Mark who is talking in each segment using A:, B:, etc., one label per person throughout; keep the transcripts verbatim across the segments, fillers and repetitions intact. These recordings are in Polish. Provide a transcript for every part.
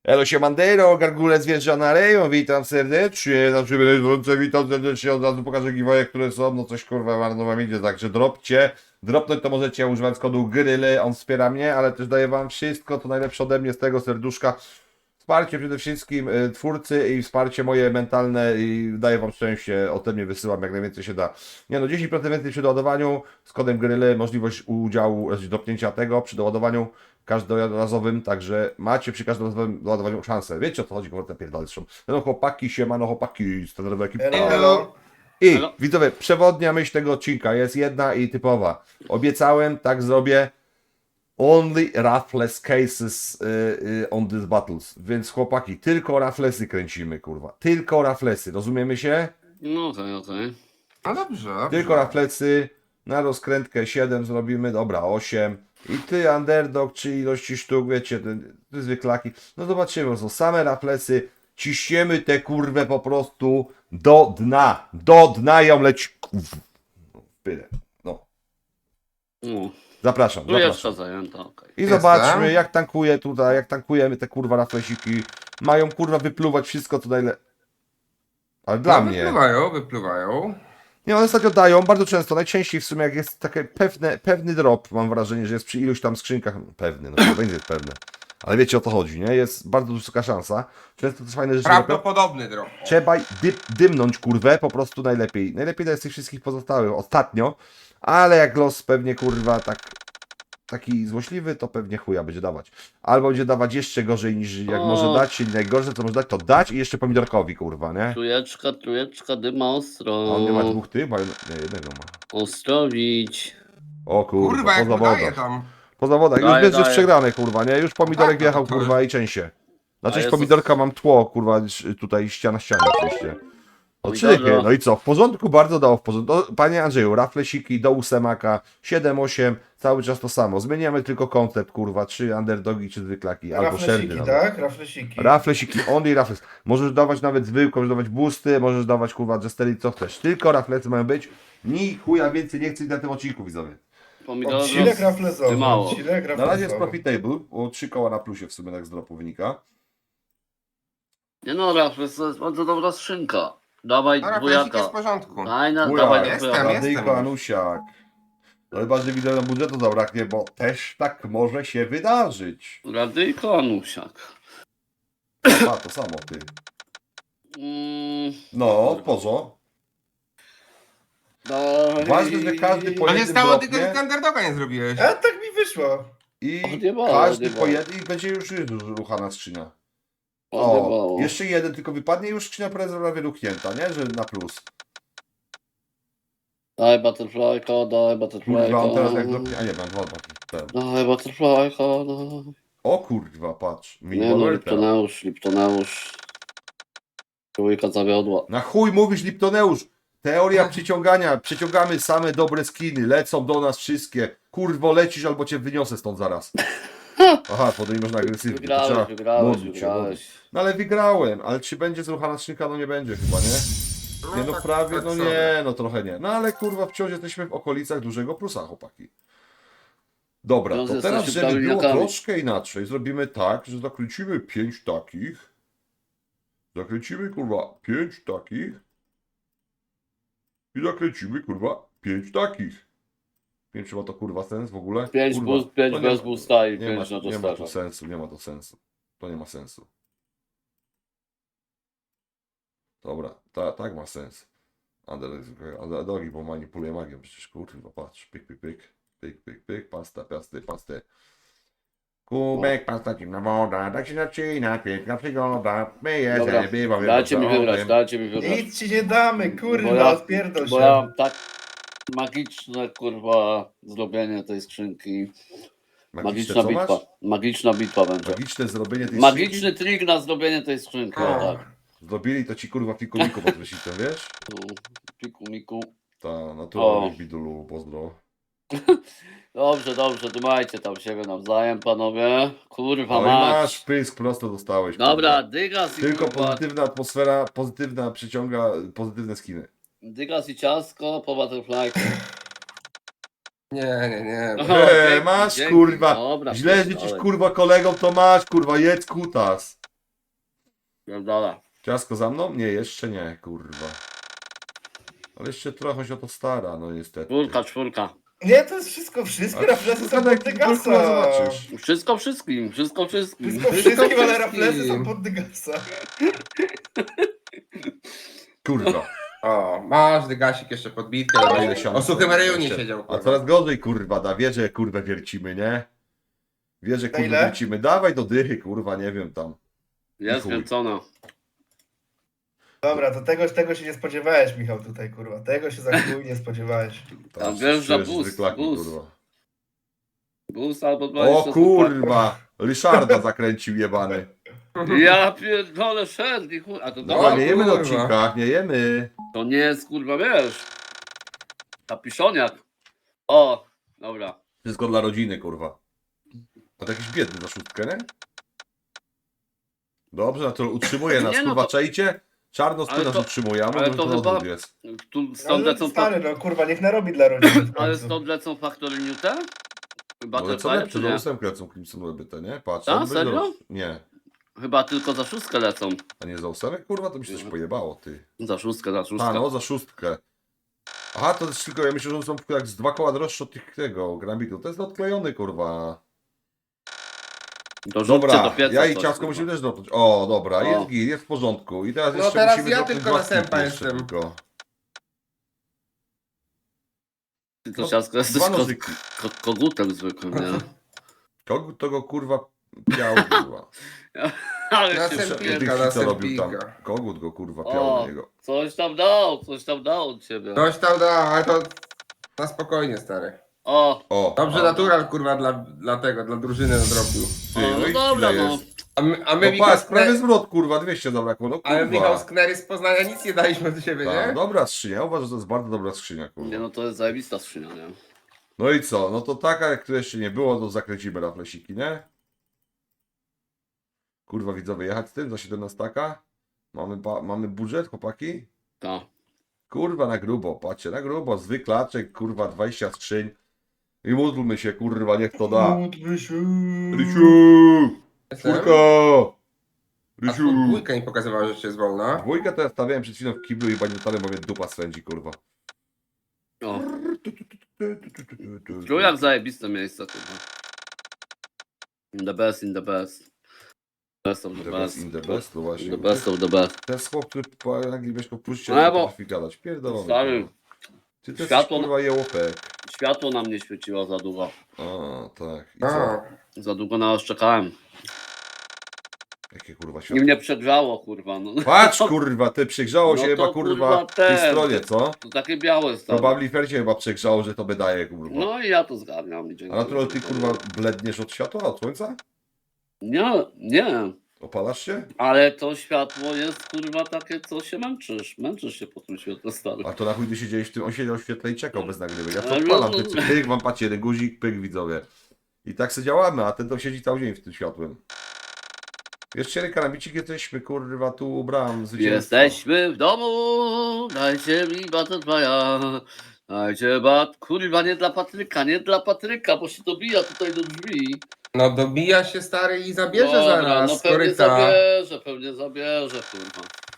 A: Elo siemandero, gargule zwierzana rejon, witam serdecznie, znaczy będę witam serdecznie, od razu pokażę giveaway, które są, no coś kurwa marno wam idzie, także dropcie, dropnąć to możecie używając kodu GRYLY, on wspiera mnie, ale też daje wam wszystko, to najlepsze ode mnie z tego serduszka, wsparcie przede wszystkim y, twórcy i wsparcie moje mentalne i daję wam szczęście, ode mnie wysyłam jak najwięcej się da. Nie no, dziesięć procent więcej przy doładowaniu, z kodem GRYLY, możliwość udziału, znaczy dropnięcia tego przy doładowaniu każdorazowym, także macie przy każdorazowym doładowaniu szansę. Wiecie o co chodzi, kurwa, pierdolszą. No chłopaki, siemano chłopaki, standardowa ekipa.
B: Hello.
C: Hello.
A: I
B: Hello.
A: widzowie, przewodnia myśl tego odcinka jest jedna i typowa. Obiecałem, tak zrobię. Only Ruthless cases y, y, on these battles. Więc chłopaki, tylko Ruthlessy kręcimy, kurwa. Tylko Ruthlessy, rozumiemy się?
B: No okej, okej.
C: No dobrze.
A: Tylko Ruthlessy. Na rozkrętkę siedem zrobimy, dobra, osiem. I ty, underdog, czy ilości sztuk, wiecie, te, te zwyklaki. No zobaczymy, są same Ruthlessy. Ciśniemy te kurwę po prostu do dna. Do dna ją leci. Pyle. No.
B: No.
A: Zapraszam,
B: Tu jest
A: zapraszam.
B: zajęta, okej.
A: I
C: Jestem.
A: zobaczmy, jak tankuje tutaj, jak tankujemy te kurwa raflesiki. Mają kurwa wypluwać wszystko co najle... Ale dla
C: no,
A: mnie.
C: Wypływają, wypływają.
A: Nie, one ostatnio dają bardzo często, najczęściej w sumie jak jest taki pewne, pewny drop, mam wrażenie, że jest przy iluś tam skrzynkach, pewny, no to będzie pewne. Ale wiecie o co chodzi, nie? Jest bardzo wysoka szansa. Często też fajne rzeczy robią.
C: Prawdopodobny drop.
A: Trzeba dy, dymnąć kurwę po prostu najlepiej. Najlepiej to jest tych wszystkich pozostałych ostatnio, ale jak los pewnie kurwa tak taki złośliwy, to pewnie chuja będzie dawać. Albo będzie dawać jeszcze gorzej niż jak
B: O.
A: może dać, czyli najgorsze co może dać, to dać i jeszcze pomidorkowi kurwa, nie?
B: Trójeczka, trójeczka, dyma
A: A
B: ostro.
A: on nie ma dwóch ty, bo nie, jednego ma.
B: Ostrowić.
A: O kurwa,
C: Kurwa, jak
A: po
C: mu daje
A: zawodach.
C: tam.
A: Po zawodach, już
B: Daje,
A: wiesz, że jest
B: daje.
A: przegrane kurwa, nie? Już pomidorek
C: Tak, no to
A: wjechał
C: to
A: kurwa i częściej. Na
B: A
A: część
B: jest-
A: pomidorka mam tło kurwa, tutaj ściana ściana oczywiście. No
B: Pomidoro.
A: czychy, no i co? W porządku, bardzo dało w porządku. No, panie Andrzeju, raflesiki do ósemaka, siedem osiem, cały czas to samo. Zmieniamy tylko koncept, kurwa, czy underdogi, czy zwyklaki, albo szerdy
D: Raflesiki,
A: nawet.
D: tak? Raflesiki.
A: Raflesiki, only rafles. Możesz dawać nawet zwykłe, możesz dawać boosty, możesz dawać kurwa jestery, co chcesz. Tylko raflesy mają być. Ni chuja więcej nie chcę na tym odcinku, widzowie.
B: Pomidoro.
D: Odcinek raflesowy.
B: dymało.
D: Odcinek
A: Na razie jest
D: raflesowy.
A: profitable, o trzy koła na plusie w sumie tak z dropu wynika.
B: Nie no, Rafles, to jest bardzo dobra skrzynka. Dawaj
C: No, raflesik jest w
B: dwójaka.
C: porządku.
B: Daj na,
A: Dwójak.
B: dawaj
C: Jestem,
B: dwójaka.
C: jestem.
A: Radyjko Anusiak. No chyba, że widzę na budżetu zabraknie, bo też tak może się wydarzyć.
B: Radyjko, Anusiak.
A: A, to samo ty.
B: Mm,
A: No, pozo.
B: daj.
A: Ważne, że każdy po
C: To nie
A: jednym
C: stało tylko, że
A: dropnie
C: standardoga nie zrobiłeś.
D: A tak mi wyszło.
A: i
B: Odjebało,
A: każdy
B: odjebało.
A: po jednym i będzie już ruchana skrzynia.
B: Odjebało.
A: O, jeszcze jeden tylko wypadnie i już skrzynia prawie luknięta, nie? Że na plus.
B: Daj butterflyka, daj butterflyka.
A: Kurwa, on teraz jak dropnie... A nie, mam dwa, dwa. Ten.
B: Daj butterflyka, daj.
A: O kurwa, patrz.
B: Nie no,
A: Minimalny
B: Liptoneusz, Liptoneusz. Trójka zawiodła.
A: Na chuj mówisz, Liptoneusz. Teoria przyciągania. Przyciągamy same dobre skiny. Lecą do nas wszystkie. Kurwo, lecisz albo cię wyniosę stąd zaraz. Aha, potem nie można agresywnie. to
B: Wygrałeś,
A: trzeba
B: wygrałeś,
A: modlić się, modlić.
B: wygrałeś.
A: No ale wygrałem. Ale czy będzie zruchana skrzynka? No nie będzie chyba, nie? Nie no
C: tak-
A: prawie,
C: tak
A: no
C: sobie.
A: nie, no trochę nie. No ale kurwa wciąż jesteśmy w okolicach dużego plusa, chłopaki. Dobra,
B: Wciąż
A: to teraz,
B: jesteśmy
A: żeby było
B: pełniakami.
A: troszkę inaczej, zrobimy tak, że zakręcimy pięć takich. Zakręcimy kurwa pięć takich. I zakręcimy kurwa pięć takich. Nie wiem, czy ma to kurwa sens w ogóle.
B: Pięć
A: kurwa,
B: boost, pięć
A: to nie
B: bez
A: ma-
B: boosta i
A: Nie ma,
B: pięć na
A: nie ma to
B: dostarza.
A: sensu, nie ma to sensu. To nie ma sensu. Dobra, ta, tak ma sens. Ale dogi, bo manipuluje magią, przecież kurwa, patrz, pyk, pyk, pyk, pyk, pyk, pyk, pasta, pasty, pasty. Kubek, pasta, zimna woda, tak się zaczyna, piękna przygoda, myję
B: Dobra,
A: się, bywam,
B: dajcie mi
A: dobrze,
B: wybrać,
A: owym.
B: dajcie mi wybrać.
D: Nic ci nie damy,
B: Bo
D: kurwa,
B: ja-
D: odpierdol
B: Bo
D: się.
B: ja mam tak magiczne, kurwa, zrobienie tej skrzynki.
A: Magiczne,
B: Magiczna
A: co
B: bitwa.
A: masz?
B: Magiczna bitwa będzie.
A: Magiczne zrobienie tej
B: Magiczny
A: skrzynki?
B: trik na zrobienie tej skrzynki, o
C: O.
B: tak.
A: Zrobili to ci kurwa fikuliku pod prysznicem, wiesz?
B: Tu, Piku, miku.
A: Ta naturalnie
B: O.
A: bidulu, pozdro.
B: Dobrze, dobrze, dymajcie tam siebie nawzajem, panowie. Kurwa,
A: No i
B: mać.
A: masz pysk, prosto dostałeś.
B: Dobra,
A: kurwa.
B: dygas i
A: Tylko
B: kurwa,
A: pozytywna atmosfera, pozytywna przyciąga pozytywne skiny.
B: dygas i ciasko po butterflyku.
C: Nie, nie, nie.
B: Aha,
A: Eee,
B: dzięki,
A: masz
B: dzięki.
A: kurwa.
B: Dobra,
A: Źle
B: pierdolę.
A: życzysz kurwa kolegom, to masz kurwa, jedz kutas.
B: Pierdolę.
A: Ciasko za mną? Nie, jeszcze nie, kurwa. Ale jeszcze trochę się o to stara, no niestety.
B: Czwórka, czwórka.
D: Nie, to jest wszystko, wszystkie
A: Ale
D: raflesy są
A: kurwa,
D: pod
A: jak kurwa
D: Dygasa.
A: zobaczysz.
B: Wszystko wszystkim, wszystko wszystkim.
D: Wszystko
C: Wszystko
D: wszystkim, ale
C: wszystkim.
D: raflesy są pod Dygasa.
A: Kurwa.
C: O, masz dygasik jeszcze podbitkę.
A: A
C: ale
A: ile siano
C: O suchym
A: sobie
C: reju nie
A: jeszcze?
C: siedział,
A: A
C: kurwa.
A: coraz gorzej, kurwa, da. Wie, że kurwa wiercimy, nie? Wie, że
D: Na
A: kurwa
D: ile?
A: wiercimy. Dawaj do dychy, kurwa, nie wiem tam.
B: Jest
A: chuj.
B: kręcona.
D: Dobra, to tego, tego się nie spodziewałeś, Michał, tutaj, kurwa. Tego się za chuj nie spodziewałeś.
B: Tam
A: Tak,
B: wjeżdża
A: czujesz
B: bus,
A: zwyklaki,
B: bus.
A: kurwa.
B: Bus albo
A: O
B: dwadzieścia
A: kurwa! Ryszarda zakręcił jebany.
B: Ja pierdolę, szedł i chuj. A to
A: Dobra,
B: dobra,
A: nie jemy na
C: kurwa.
A: odcinkach, nie jemy.
B: to nie jest kurwa, wiesz. Kapiszoniak. O, dobra.
A: Wszystko dla rodziny, kurwa. A to jakiś biedny za szóstkę, nie? Dobrze, no to utrzymuje nas,
B: Nie, no
A: kurwa,
B: to-
A: czajcie? Czarnoskór
B: Ale
A: nas
B: to-
A: utrzymuje, a
B: ale
A: może
B: to
A: to na
B: chyba-
A: odwrót jest.
B: Tu stąd lecą,
D: Ale
B: fa-
D: stary, no kurwa, niech narobi dla rodziny w
B: ale
D: końcu.
B: stąd lecą Factory Newton? Chyba
A: No ale
B: te
A: co
B: fajne,
A: lepsze,
B: czy
A: do
B: nie?
A: ósemkę lecą Crimson Weby, to nie? Patrz,
B: Ta,
A: on będzie
B: serio?
A: roz- Nie.
B: Chyba tylko za szóstkę lecą.
A: A nie za ósemek, kurwa, to mi się coś pojebało, ty.
B: Za szóstkę, za szóstkę.
A: A, no, za szóstkę. Aha, to jest tylko, ja myślę, że są jak z dwa koła droższe od tych, tego, Grambitu. To jest odklejony, kurwa.
B: Dorzućcie
A: Dobra,
B: do pieca
A: ja i
B: coś,
A: ciasko
B: kurwa.
A: musimy też dropnąć. O, dobra,
B: O.
A: jest git, jest w porządku. I teraz
C: No
A: jeszcze
C: teraz
A: musimy
C: ja
A: dropnąć
C: tylko
A: dwa
C: na sępa
A: skipy jeszcze
C: jestem.
A: tylko.
B: Ty to
A: No,
B: ciasko jesteś
A: Dwa
B: ko-
A: nożyki.
B: ko- kogutem zwykłym, nie?
A: Kogut to go, kurwa, piał, kurwa.
B: Ale
C: Na
B: się
C: sępika,
B: przepier...
A: Tych,
C: na
A: co robił tam.
C: sępika.
A: Kogut go, kurwa, piał
B: O,
A: na niego.
B: coś tam dał, coś tam dał od ciebie.
C: Coś tam da, ale to na spokojnie, stary.
B: O,
A: O,
C: Dobrze,
A: a,
C: natural, kurwa, dla, dla tego, dla drużyny nadrobił.
A: ty,
B: o,
A: no i
B: no dobra,
A: ile
B: no.
A: jest?
C: A my, a my
A: No
C: Michał,
A: patrz,
C: z
A: prawie
C: Kner...
A: zwrot, kurwa, dwieście zabrakło, no
C: ale Michał
A: kurwa.
C: z Knery z Poznania nic nie daliśmy do siebie,
A: Ta,
C: nie?
A: dobra skrzynia, uważam, że to jest bardzo dobra skrzynia, kurwa.
B: Nie no, to jest zajebista skrzynia, nie?
A: No i co? No to taka, jak tu jeszcze nie było, to zakręcimy raflesiki, nie? Kurwa, widzowie, jechać z tym za siedemnaście? Mamy, ba- mamy budżet, chłopaki?
B: Tak.
A: Kurwa, na grubo, patrzcie, na grubo, zwyklaczek, kurwa, dwadzieścia skrzyń. I módlmy się, kurwa, niech to da.
D: Módlmy się.
A: Rysiu!
C: Jestem.
A: Czwórka!
C: A
A: Rysiu!
C: tu dwójka mi pokazywała, że jeszcze jest wolna.
A: Dwójkę to ja stawiałem przed chwilą w kiblu i pamiętałem, bo mnie dupa swędzi, kurwa.
B: O, trójak zajebiste miejsce, kurwa. In the best, in the best. Best of the
A: The best
B: best.
A: in the best, no właśnie.
B: The best of the best.
A: Ten chłop, który po angielsku puszczy,
B: No,
A: nie
B: bo-
A: potrafi gadać. Pierdolony.
B: Stary,
A: kurwa. Ty to
B: światło-
A: jesteś, kurwa, jełopek.
B: światło nam nie świeciło za długo.
A: A, tak. I co?
C: A,
B: Za długo na nas czekałem.
A: Jakie kurwa
B: I
A: światło?
B: mnie przegrzało, kurwa. No.
A: Patrz, kurwa, ty przegrzało
B: No
A: się
B: to,
A: chyba, kurwa,
B: kurwa,
A: w tej
B: ten.
A: stronie, co?
B: To takie białe
A: To
B: stało.
A: Babli Fercie chyba przegrzało, że to wydaje, kurwa.
B: No i ja to zgarniam. i
A: A
B: dziękuję.
A: natural ty, kurwa, bledniesz od światła, od słońca?
B: Nie, nie.
A: Opalasz się?
B: Ale to światło jest, kurwa, takie, co się męczysz. Męczysz się po tym świetle, stary.
A: A to na chuj ty siedziałeś w tym, on siedział w świetle i czekał bez nagrywek. Ja to
B: Ale
A: odpalam,
B: no-
A: ty, pyk, wam patrzcie, jeden guzik, pyk, widzowie. I tak sobie działamy, a ten to siedzi cały dzień w tym światłem. Jeszcze karambicik, jesteśmy, kurwa, tu ubrałem zwycięstwo.
B: Jesteśmy w domu, dajcie mi butterfly'a. Dajcie bat, kurwa, nie dla Patryka, nie dla Patryka, bo się dobija tutaj do drzwi.
C: no dobija się, stary, i zabierze
B: Dobra,
C: zaraz
B: no
C: z
B: pewnie
C: koryta.
B: zabierze, pewnie zabierze, kurwa.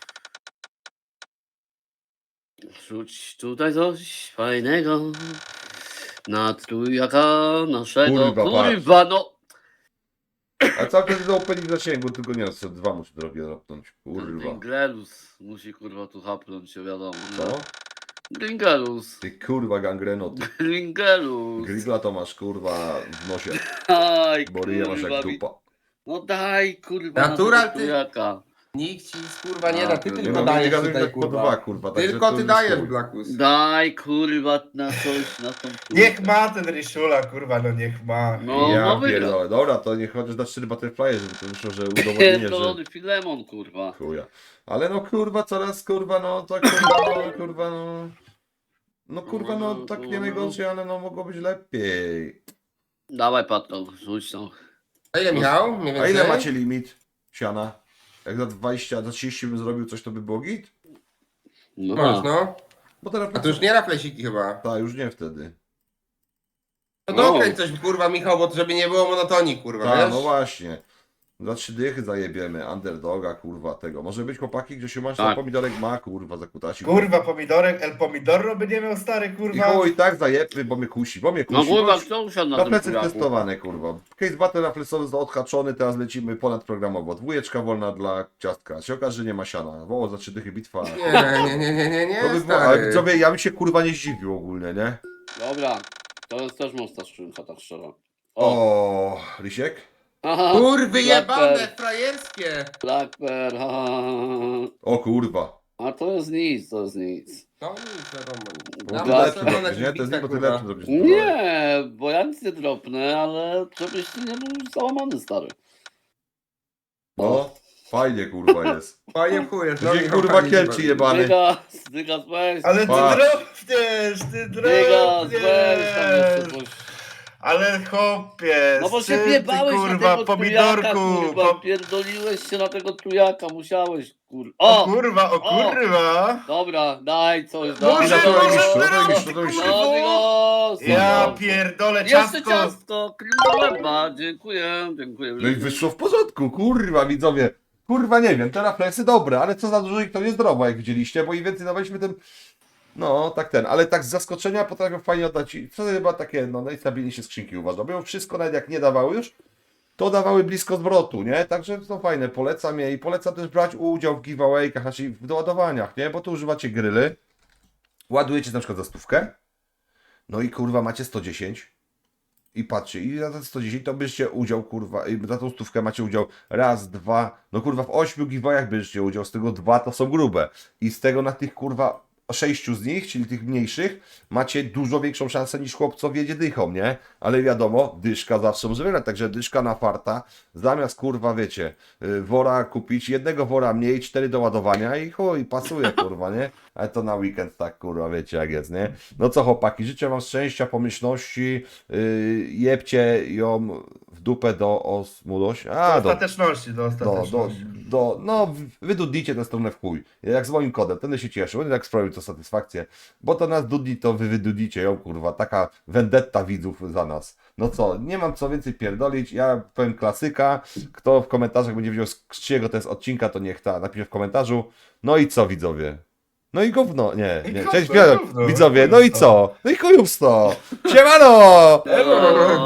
B: Rzuć tutaj coś fajnego na trójaka naszego,
A: Kurwa,
B: kurwa, no.
A: A cały czas do opening zasięgu, tylko nie, co dwa muszę drogie dropnąć, kurwa.
B: Gringelus musi, kurwa, tu hapnąć się, wiadomo. nie?
A: Co?
B: Gringelus,
A: Ty kurwa gangreno, ty
B: Gringelus.
A: grigla to masz, kurwa, w nosie,
B: Daj,
A: bo ryje masz
B: kurwa,
A: jak
B: mi-
A: dupa.
B: No daj, kurwa,
C: Natural,
B: na tego
C: ty-
B: trójaka.
C: Nikt ci, kurwa, nie
B: A,
C: da, ty
B: nie
A: Nie
C: tylko
A: no, nie
C: dajesz
A: gaduj
C: tutaj,
A: tak po
C: kurwa.
A: dwa, kurwa. także
C: Tylko
A: to
C: ty
A: już
C: dajesz,
A: chuj.
C: Blackus.
B: Daj, kurwa, na coś, na tą
D: Niech ma ten Ryszula, kurwa, no niech ma.
B: No,
A: Ja
B: no wygra.
A: pierdolę. Dobra, to niech chociaż da cztery butterfly, żeby to wyszło, że udowodnienie, że
B: Pierdolony Filemon, kurwa.
A: chuja. Ale no kurwa, coraz kurwa, no tak kurwa, no kurwa, no. No kurwa, no tak nie najgorzej, ale no mogło być lepiej.
B: Dawaj, Patro, rzuć tą.
C: A ile, Michał? Mniej
A: A
C: więcej?
A: ile macie limit siana? Jak za dwadzieścia, za trzydzieści bym zrobił coś, to by było git?
B: No,
C: Masz, no.
A: Bo teraz...
C: A to już nie raflesiki chyba.
A: Tak, już nie wtedy.
C: No
B: No.
C: dokręć coś, kurwa, Michał, bo żeby nie było monotonii, kurwa,
A: Tak,
C: wiesz?
A: no właśnie. Za trzy dychy zajebiemy, underdoga, kurwa, tego. Może być chłopaki, gdzie się masz,
B: Tak.
A: na pomidorek ma, kurwa, zakutasi.
D: Kurwa, pomidorek, El Pomidorro by nie miał stary,
A: I
D: kurwa.
A: chuj, tak zajebmy, bo mnie kusi, bo mnie kusi.
B: No kurwa,
A: bo-
B: kto usiadł na
A: Na
B: tym
A: plecy
B: tujaku?
A: testowane, kurwa. Case battle refleksowy został odhaczony, teraz lecimy ponadprogramowo. Dwójeczka wolna dla ciastka. Się okaże, że nie ma siana. Woło za trzy dychy bitwa.
C: Nie, nie, nie, nie, nie, nie,
A: To by było, ale
C: stary.
A: widzowie, ja bym się kurwa nie zdziwił ogólnie, nie?
B: Dobra, to jest też mocna skrzynka, tak szczerze. O!
A: O, Lisiek?
B: Aha,
C: Kurwy jebane,
B: Blackbird,
C: frajerskie!
B: Blackbird, ha, ha, ha.
A: O kurwa.
B: A to jest nic, to jest nic.
C: No nic, wiadomo.
A: To
C: Dam
B: Black-
A: lepszy
C: czerwone
A: zrobisz, nie? To jest
C: bita,
A: nie, bo ty
C: kurwa.
A: lepszy zrobisz.
B: Nie, bo ja nic nie dropnę, ale żebyś ty nie był załamany, stary.
A: No, fajnie kurwa jest.
C: Fajnie w chuj jest.
A: Gdzie
C: Michał,
A: kurwa
C: fajnie
A: kielczy
C: się
A: jebany.
B: Dygas, dygas, weź.
D: Ale ty
A: Patrz.
D: drobniesz, ty
B: Dygas, weź tam jeszcze
D: drobniesz.
B: coś.
D: Ale chłopie,
B: No bo
D: z
B: się
D: czym ty,
B: wjebałeś na
D: kurwa,
B: tego
D: pomidorku.
B: tujaka, kurwa,
D: po-
B: pierdoliłeś się na tego tujaka, musiałeś, kurwa.
D: O
B: O!
D: kurwa, o
B: O!
D: kurwa.
B: Dobra, daj coś,
D: Może,
B: daj.
A: Ile to
D: może,
A: robisz? Co
D: może,
A: to robisz? Co to
D: ty,
A: robisz?
D: kurwa.
B: No, Dygas,
D: Ja
B: no.
D: pierdolę
B: Jeszcze
D: ciastko.
B: ciastko, klimba, dziękuję, dziękuję.
A: No i wyszło w porządku, kurwa widzowie. Kurwa nie wiem, te refleksy dobre, ale co za dużo ich to niezdrowo, jak widzieliście, bo im więcej dawaliśmy tym... No, tak ten, ale tak z zaskoczenia potrafią fajnie oddać i wtedy chyba takie, no najstabilniejsze skrzynki uważam. Bo wszystko nawet jak nie dawały już, to dawały blisko zwrotu, nie? Także to fajne, polecam je i polecam też brać udział w giveaway'kach, znaczy w doładowaniach, nie? Bo tu używacie gryly, ładujecie na przykład za stówkę, no i kurwa macie sto dziesięć i patrzcie, i za te sto dziesięć to bierzecie udział, kurwa, i za tą stówkę macie udział raz, dwa, no kurwa w ośmiu giveawayach bierzecie udział, z tego dwa to są grube i z tego na tych kurwa sześciu z nich, czyli tych mniejszych, macie dużo większą szansę niż chłopcowie jedzie dychą, nie? Ale wiadomo, dyszka zawsze może wygrać, także dyszka na farta, zamiast kurwa, wiecie, y, wora kupić, jednego wora mniej, cztery do ładowania i chuj, pasuje kurwa, nie? Ale to na weekend tak kurwa, wiecie jak jest, nie? No co chłopaki, życzę wam szczęścia, pomyślności, yy, jebcie ją w dupę do osmudoś, a
D: Do
A: do...
D: ostateczności, do
A: Do, do,
D: ostateczności.
A: do, no, wydudlicie tę stronę w chuj. Jak z moim kodem, będę się cieszył, będę tak sprawił to satysfakcję. Bo to nas dudli, to wy wydudlicie ją, kurwa. Taka vendetta widzów za nas. No co, nie mam co więcej pierdolić. Ja powiem klasyka. Kto w komentarzach będzie wiedział, z czyjego to jest odcinka, to niech ta napisze w komentarzu. No i co, widzowie? No i gówno, nie,
D: I
A: nie.
D: gówno,
A: Cześć,
D: gówno,
A: widzowie, no i
D: gówno.
A: co? No i chujów sto. Siemano!
B: Elo.